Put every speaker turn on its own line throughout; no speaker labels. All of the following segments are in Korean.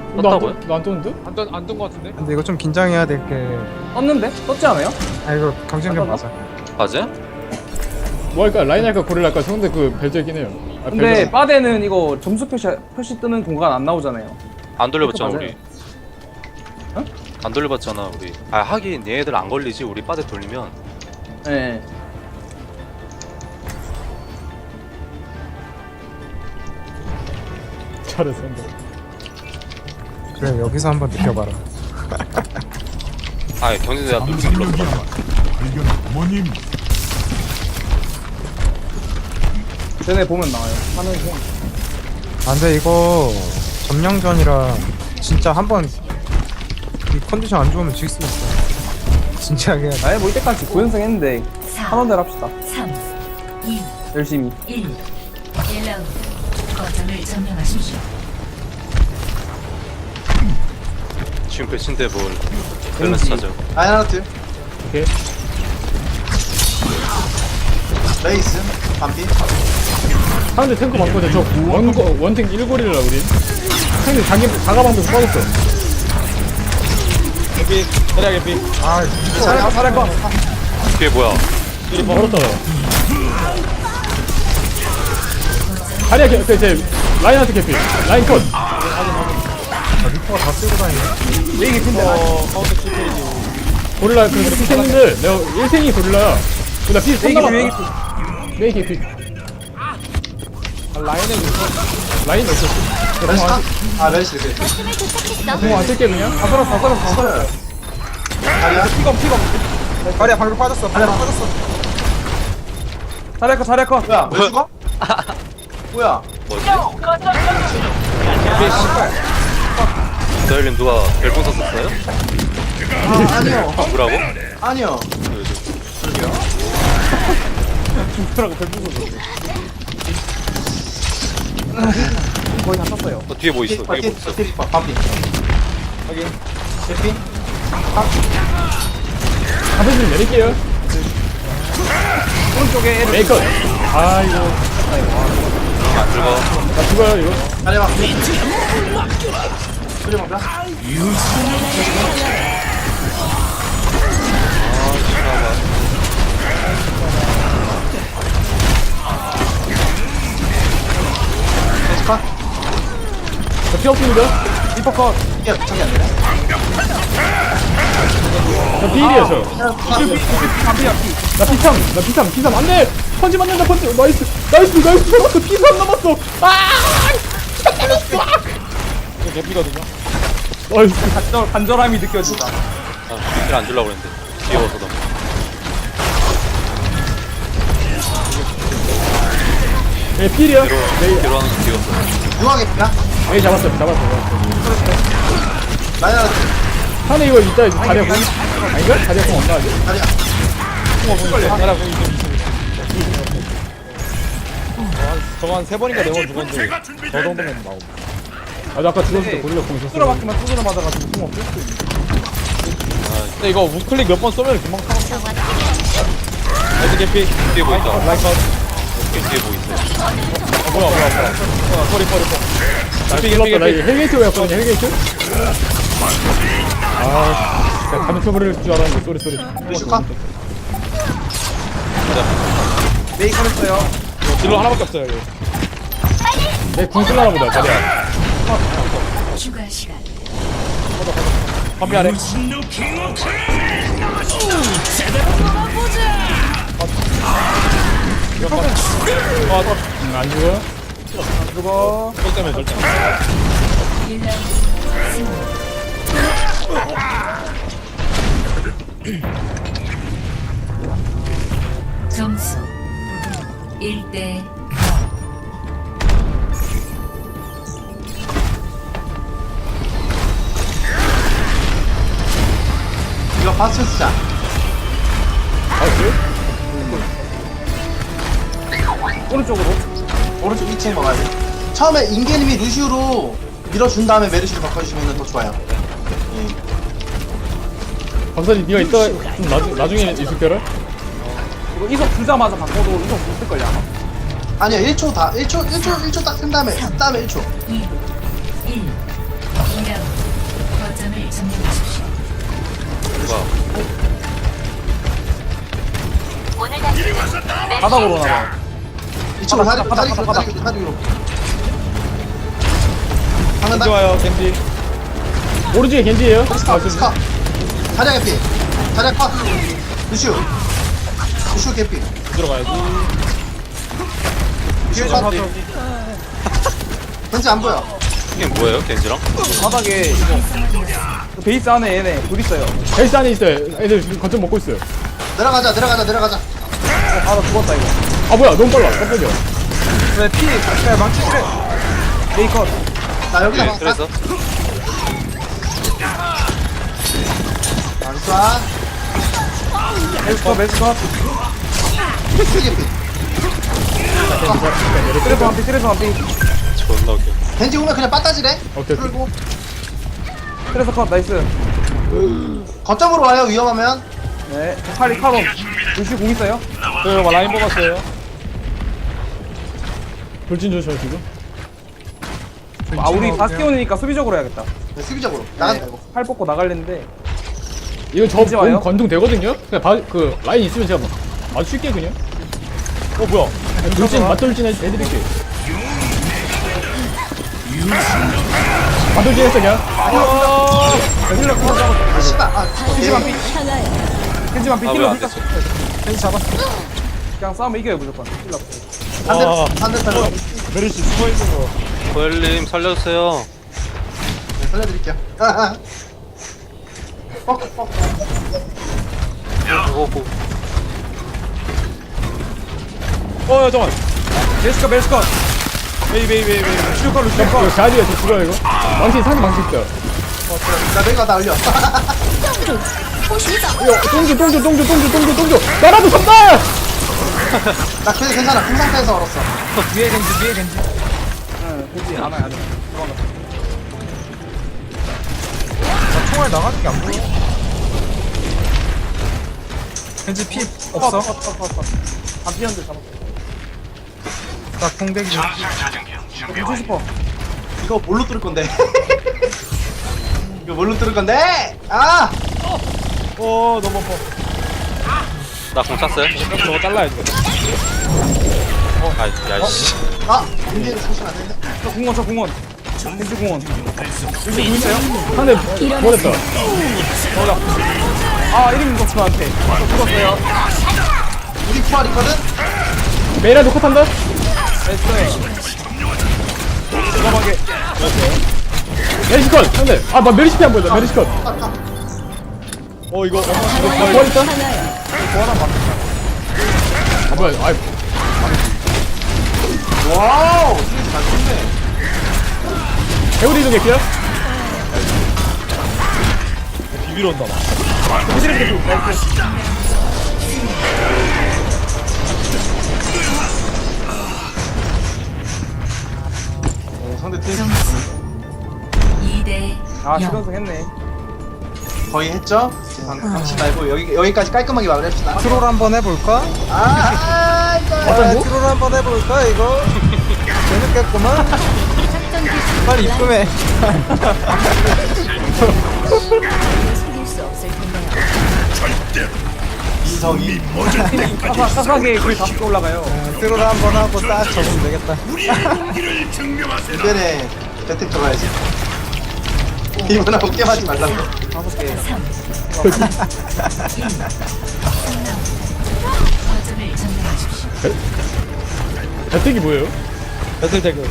떴다고요?
너안 떴는데?
안뜬 거 같은데?
근데 이거 좀 긴장해야 될 게.
떴는데? 떴지 않아요?
아 이거 경쟁전
떴나?
맞아.
맞아요?
뭐 할까? 라인 할까? 고릴라 할까? 상대 그 벨저이긴 해요. 아,
근데
벨저.
빠데는 이거 점수 표시 뜨는 공간 안 나오잖아요.
안 돌려봤잖아
맞아요.
우리.
어?
안 돌려봤잖아 우리. 아 하긴 얘네들 안 걸리지 우리 빠데 돌리면.
네.
잘했어.
그래 여기서 한번 느껴봐라.
아 경쟁자 내가 눌렀어.
쟤네 보면 나와요. 하는 중.
아 근데 이거 점령전이라 진짜 한번 이 컨디션 안 좋으면 질 수 있어. 진지하게.
아예 뭐 이때까지 9연승 했는데
4,
한원대로 합시다.
3, 2,
열심히.
1. 1라운드. 거점을 점령하십시오.
지금 배신데 뭘 밸런스 찾아.
라인하르트
오케이.
레이스 반피
상대 탱크 많거든. 저 원탱 1고리라 우린. 상대 자가방도 빠졌어.
개피 자리야 개피
아
잘할 거.
뒤에 뭐야?
멀었다. 다리야 제 라인한테 개피. 라인 컷.
리퍼가 다 쓰고 다니네.
레이기 핀데.
카운터 킬이지
고릴라 그래서 피탱인데 내가 1탱이 고릴라야. 나 피
레이기
손
레이기
남았다. 레이 개피.
라인에
라인 없었어.
메르시 컷? 아 메르시 그래
공안 쓸게 그냥.
다 썰었어.
다리야
피검.
다리야 방금 빠졌어. 방금 빠졌어.
잘할 거.
뭐야 왜 죽어? 뭐야
뭐지? 기다림 누가 별풍선 썼어요?
아 아니요
뭐라고?
아니요
중프라고 별풍선 줬어. 거의 다 떴어요.
뒤에 뭐 있어? 뒤에 뭐 있어?
티리파 반피
확인
개피
가서 좀 내릴게요.
오른쪽에 애를.
메이컷. 아이고.
안 죽어.
나 죽어요 이거.
다리야 소리 먹자 메르시 컷?
저 피 없습니다.
리퍼 컷.
이게 저기 안 되네
저 피일이에요 저. 나 피삼 안돼. 펀치 맞는다 펀치. 나이스 잡았어. 피삼 남았어.
이거 개피거든요
나이스.
간절함이 느껴진다.
아, 킬안 주려고 그랬는데. 귀여워서 너무.
네 피일이야.
뒤로 하는 거 귀여웠어.
누가 개피야?
메이 잡았어.
라인하르트
상대 이거 이따 자리야 공. 아닌가? 자리야 공 없나 아직?
다리야
자리야 공이 좀 저거 한 3번인가 4번 죽었는데 저 정도면 나오고
아, 나 아까 죽었을 때 고릴라 공 있었어.
뚫어박기만 두드려 맞아가지고 공 없을 수도 있어.
근데 이거 우클릭 몇 번 쏘면 금방 타고 레드 개피
뒤에 뭐 있다.
라인 컷
뒤에 뭐 있어?
뭐야 소리
나
개피
죽었다. 나
개피
이거 헬게이트였거든요 헬게이트. 아, 내가 가면 쳐버릴 줄 알았는데 쏘리.
메르시 컷?
레이 컷했어요.
딜러 하나밖에 없어요 여기
내궁 쓸라나 보다 자리야.
추가 시간.
반피 아래
안 죽어.
죽어.
또 때문에 절대
1라운드 승리. 점수 1대
이거 파스 쓰자
오른쪽으로.
오른쪽 2층 먹어야 돼 처음에 인게님이 루시우로 밀어준 다음에 메르시로 바꿔주시면 더 좋아요
박사님 네가 이따 좀 나중에 있을 거라.
이거 이석 주자마자 바꿔도 이석 못 쓸걸요 아마.
아니요 1초 다 1초 딱 쓴 다음에 1초
2, 1. 2라운드.
바닥으로 나봐.
이쪽으로
바닥, 바닥,
다리
바닥,
위로 다리 위로. 방금
겐지 와요 겐지.
오른쪽에 겐지예요.
스카. 자리야 개피. 자리야 컷. 루슈 개피.
들어가야지.
루슈 컷. 겐지 안 보여.
이게 뭐예요 겐지랑?
바닥에 이거 그 베이스 안에 얘네 둘 있어요.
헬스 안에 있어요. 애들 지금 거점 먹고 있어요.
내려가자.
아 나 죽었다 이거.
아 뭐야 너무 빨라. 깜짝이야.
왜 망치질해?
베이컷.
나 여기다
네,
봐.
그래서
나이스와.
메스컷.
루슈 개피.
트레서 한 피.
존나 웃겨.
겐지 오면 그냥 빠따지래.
오케이.
풀고
트레서 컷 나이스.
거점으로 와요 위험하면.
네. 칼이 카로. 루시 공 있어요?
저 라인 뽑았어요.
돌진 조심 지금.
아 우리 바스티온이니까 수비적으로 해야겠다.
네, 수비적으로 나간다 이거.
팔 뽑고 나갈랬는데
이거 저
겐지 와요?
몸 건동 되거든요. 그냥 그 라인 있으면 제가 아주 쉽게 그냥.
뭐야?
돌진 맞돌진 해드릴게. 맞돌진 했어 그냥.
아 씨발.
겐지만 피. 겐지만 피.
아
힐러
왜안
힐러.
됐어?
겐지 잡았어. 그냥 싸우면 이겨요 무조건. 힐러.
반대 살려.
메르시 숨어있는 거.
고엘님 살려주세요.
네, 살려드릴게요.
오고.
잠깐만.
메스컷.
베이.
루시컷
이거 자리에 저 죽어요 이거. 망치 상대 망치 있어요.
나 내가 나 올려.
이거 똥주. 나라도 산다.
나 그래도 괜찮아. 그 상태에서 얼었어.
뒤에 겐지. 응 겐지 안와 안와.
나 총알 나가는 게 안 보여. 왠지 피 없어?
안 피었는데 잡았어.
나 공대기 좀.
겐지 싶어.
이거 뭘로 뚫을 건데? 이거 뭘로 뚫을 건데? 아!
너무 아파.
나공 찼어요?
저거 잘라야지.
야이씨.
아! 인디를 사시면 안 되는데?
저 공원. 겐지 공원. 루시 공 있어요?
상대 보냈다.
아 1인 공격수한테. 저 죽었어요.
우리 부활 있거든?
메이라도 컷한다.
나이스.
메리시컷 상대. 아나 메리시피 안 보인다. 메리시컷.
이거
뭐 있다? 아 뭐야? 아이
와우! 스위치 잘 쳤네.
배우리 이동 개피야?
비비러 온다 막.
상대 팀
점수 2대
아
0.
실현성 했네.
거의 했죠? 방치 말고 여기까지 깔끔하게 마무리합시다.
트롤 한번 해볼까?
이거.
트롤 한번 해볼까 이거? 재밌겠구만. 빨리 입금해.
이성이.
사사하게 거의 다섯 올라가요.
트롤 한번 하고 딱 적으면 되겠다.
이번에 배택 들어가야지. 이번에 어깨하지 말라고.
다섯 개.
거점을 점령하십시오.
배택이 뭐예요?
배틀 태그.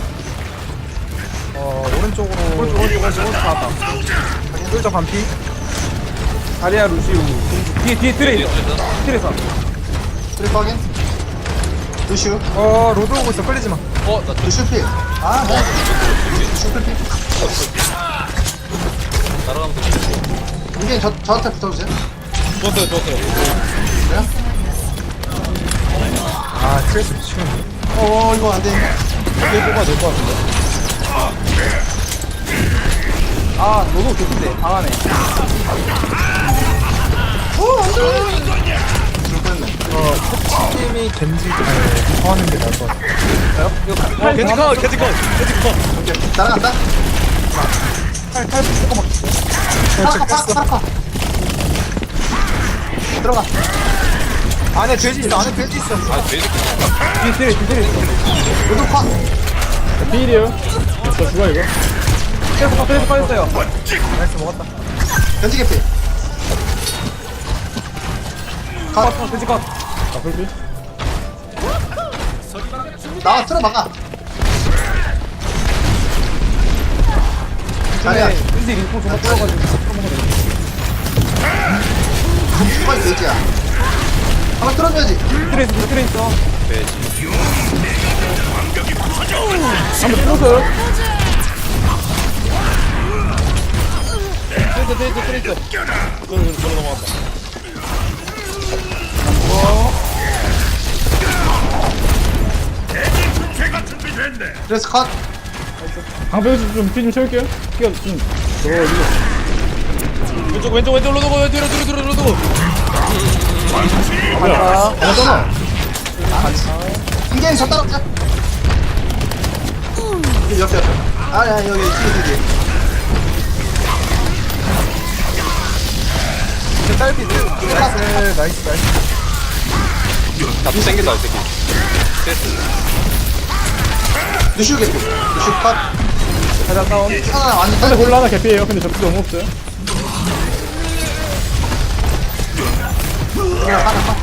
오른쪽으로.
오른쪽 나왔다.
쫄적 반피.
다리아 루시우. 뒤에 트레 있어. 트레서.
트리퍼 확인. 루슈.
로드 오고 있어. 끌리지 마.
루슈 필. 아, 네. 루슈 필.
날아가면 돼.
이게 저한테 붙어주세요.
좋았어요.
그래요?
아, 트레스 치면.
이거 안 돼.
이게 뽑아야 될 것 같은데.
아 너도 좋던데 방 안에.
줄 뻔했네.
팀이 겐지 하는 게 나을 것 같아.
팔
겐지 컷.
오케이. 날아간다. 파라카. 들어가.
안에 돼지 있어 안에 돼지 있어.
아 돼지
로드 컷.
필이에요. 저 죽어 이거.
그래서 빠졌어요.
나이스 먹었다.
변치 개피.
컷, 돼지 컷.
아 풀피.
나와 틀어 막아. 자리야.
왠지 링크 정말 끌어가지고
빨리 돼지야. 하나 틀어줘야지.
트레이스.
한번 뚫었어요.
트레이스 저로 넘어갔다.
그래서 컷.
방패 좀피좀 채울게요. 피가 좀
왼쪽 로드 뒤로 로드.
하잖아.
인게임 저 따라오자. 옆에. 아야 여기 뒤에.
딸피 나이스.
나도 땡긴다 이 새끼.
루슈 개피. 루슈 컷.
가자 다운.
하나 완전
상대
딸피.
골라 하나 개피예요. 근데 접수 너무 없어요.
하나 컷.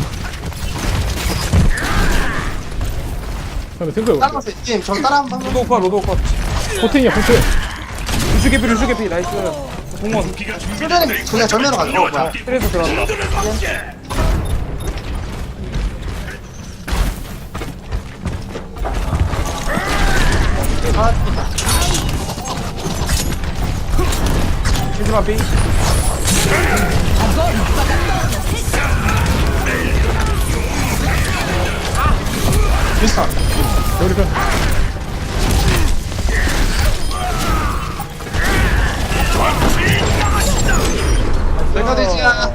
상대 탱크
따라가서 인게임 저 따라 한번.
로드 컷.
포팅이야 포팅.
루슈 개피, 나이스. 공원.
출전이 그냥 전면으로 가자. 뭐야.
트레이스 들어간다. 마지막 비.
비슷한.
여기 편.
내가 되지야.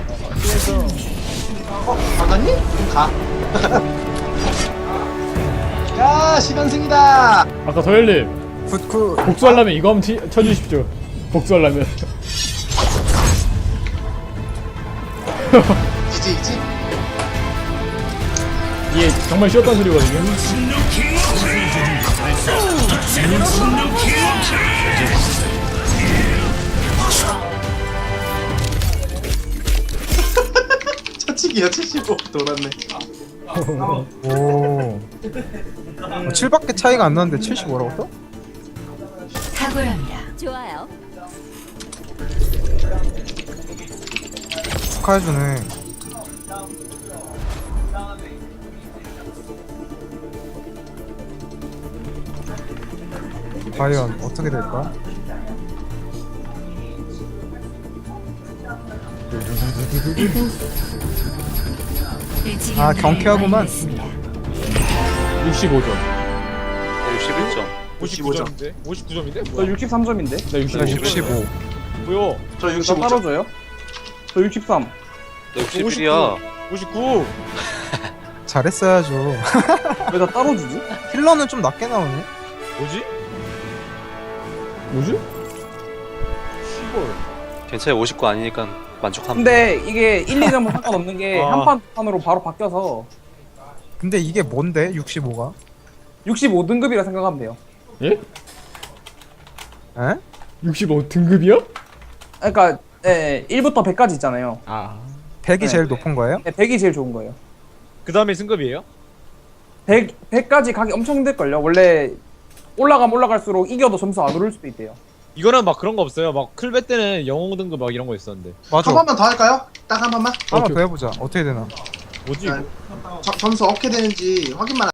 받았니? 가. 야 시간승이다.
아까 서열님
굿굿.
복수하려면 이거 한번 쳐주십시오. 복수하려면.
이지.
이게 정말 쉬웠다는 소리거든요.
처치기야 75 돌았네.
오. 7밖에 차이가 안 나는데 75라고 또?
탁월합니다.
좋아요.
축하해주네. 과연 어떻게 될까? 아, 경쾌하구만.
65점.
61점.
59점인데? 59점인데?
저
뭐야?
63점인데?
나 65.
65.
뭐야?
저
나
65점.
따로줘요? 저 63.
나 61이야.
59.
잘했어야죠.
왜 나 따로 주지?
힐러는 좀 낮게 나오네.
뭐지?
뭐지?
시골.
괜찮아 59 아니니까 만족합니다.
근데 이게 1, 2점은 상관없는 게
아.
한판 판으로 바로 바뀌어서
근데 이게 뭔데? 65가?
65등급이라 생각하면 돼요.
예?
에?
65 등급이요?
그러니까 1부터 100까지 있잖아요.
아.
100이
네.
제일 높은 거예요?
100이 제일 좋은 거예요.
그 다음에 승급이에요?
100까지 가기 엄청 힘들걸요. 원래 올라가면 올라갈수록 이겨도 점수 안 오를 수도 있대요.
이거는 막 그런 거 없어요. 막 클베 때는 영웅 등급 막 이런 거 있었는데.
맞아.
한 번만 더 할까요? 딱 한 번만.
하나 더 해보자. 어떻게 되나?
뭐지?
점수 어떻게 되는지 확인만.